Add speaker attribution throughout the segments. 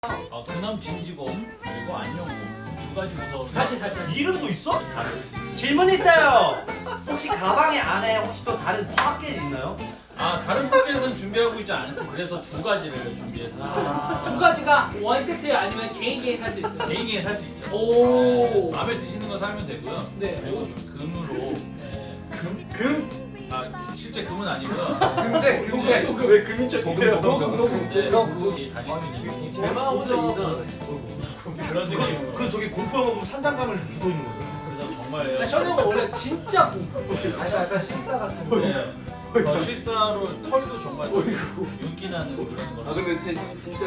Speaker 1: 경남 진지곰 그리고 안녕곰 두 가지 부서.
Speaker 2: 다시.
Speaker 3: 이름도 있어?
Speaker 1: 다른.
Speaker 3: 질문 있어요. 혹시 가방에 안에 혹시 또 다른 파켓 있나요?
Speaker 1: 다른 포켓은 준비하고 있지 않고 그래서 두 가지를 준비해서
Speaker 2: 두 가지가 원 세트 아니면 개인 살 수 있어요.
Speaker 1: 개인이 살 수 있죠.
Speaker 2: 오.
Speaker 1: 마음에 드시는 거 사면 되고요.
Speaker 2: 네.
Speaker 1: 그리고 좀 금으로.
Speaker 3: 금?
Speaker 1: 실제 금은 아니고요.
Speaker 4: 금색.
Speaker 3: 왜 금인 척 못해요?
Speaker 1: 네,
Speaker 2: 그럼
Speaker 1: 그게 다닐 수 있는
Speaker 4: 대마보다 이상하네.
Speaker 1: 그런 느낌으로.
Speaker 3: 그 저기 공포 영화 보면 산장감을 주고 있는 거죠.
Speaker 1: 그래서 정말.
Speaker 2: 그러니까 션형은 원래 진짜 약간 실사 같은 거.
Speaker 1: 네. 실사로 털도 정말 윤기 나는 그런 거.
Speaker 4: 근데 제 진짜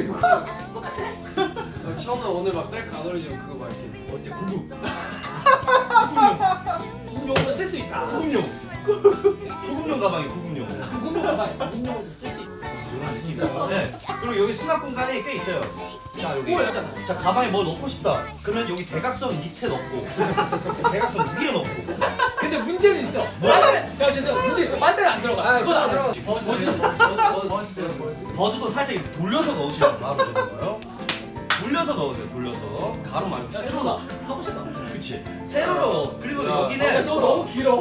Speaker 4: 셔서 오늘 막 셀카 안 올리지만 그거 막 이렇게
Speaker 3: 어째 구급.
Speaker 2: 구급용으로 쓸 수 있다.
Speaker 3: 구급용. 구급용 가방이 구급용.
Speaker 2: 구급용으로 쓸 수 있다.
Speaker 3: 진짜. 네. 그리고 여기 수납 공간이 꽤 있어요. 자 여기.
Speaker 2: 뭐였잖아.
Speaker 3: 자 가방에 뭐 넣고 싶다. 그러면 여기 대각선 밑에 넣고 대각선 위에 넣고.
Speaker 2: 근데 문제는 있어. 빨대. 야 죄송. 문제 있어. 빨대는 안 들어가. 그건 안 들어가.
Speaker 3: 버즈도 살짝 이렇게 돌려서 넣으시면 바로 되는 거예요. 돌려서 넣으세요. 돌려서 가로 말고.
Speaker 2: 야 초나 사고 싶다.
Speaker 3: 그치. 세로로. 그리고
Speaker 4: 야.
Speaker 3: 여기는
Speaker 2: 너 너무 길어.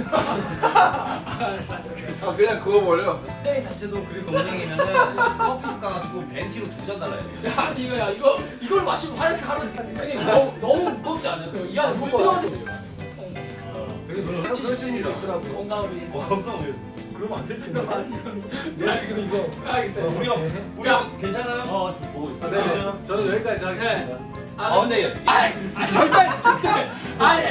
Speaker 4: 그냥 그거 버려.
Speaker 2: 땡 자체도
Speaker 3: 그리고 은행이면은 커피숍 가가지고 벤티로 2잔 달라야 돼.
Speaker 2: 야 아니 이걸 마시면 화장실 하루 아니 너무 무겁지 않아요? 이 안에 물 들어가는데
Speaker 3: 되게 별로
Speaker 4: 찌시니라.
Speaker 2: 건강을 위해서.
Speaker 3: 건강 왜? 그러면 안 되지.
Speaker 2: 내가 지금 이거 알겠어요.
Speaker 3: 우리 형 괜찮아요?
Speaker 1: 보고 있어.
Speaker 3: 보고 있어요?
Speaker 4: 저는 여기까지 하겠습니다.
Speaker 3: 근데
Speaker 2: 절대 아니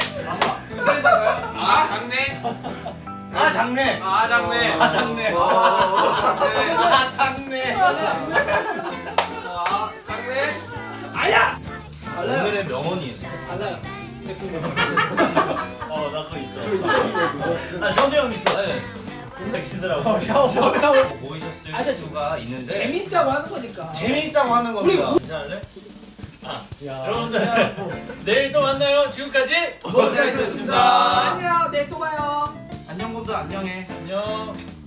Speaker 4: 장내.
Speaker 3: 장내.
Speaker 4: 장내.
Speaker 3: 장내. 장내.
Speaker 4: 장내.
Speaker 2: 아야 달라요.
Speaker 3: 오늘의 명언이에요.
Speaker 2: 달라요.
Speaker 1: 나 그거 있어.
Speaker 3: 션우 형 있어.
Speaker 1: 딱 씻으라고.
Speaker 2: 샤워.
Speaker 3: 보이셨을
Speaker 2: 아니,
Speaker 3: 수가 있는데
Speaker 2: 재밌자고 하는 거니까.
Speaker 3: 재미있자고 하는 겁니다.
Speaker 1: 괜찮을래? 여러분들 내일 또 만나요. 지금까지
Speaker 3: 고생하셨습니다.
Speaker 2: 안녕. 내일 또 봐요.
Speaker 3: 안녕 곰도 안녕해.
Speaker 1: 안녕.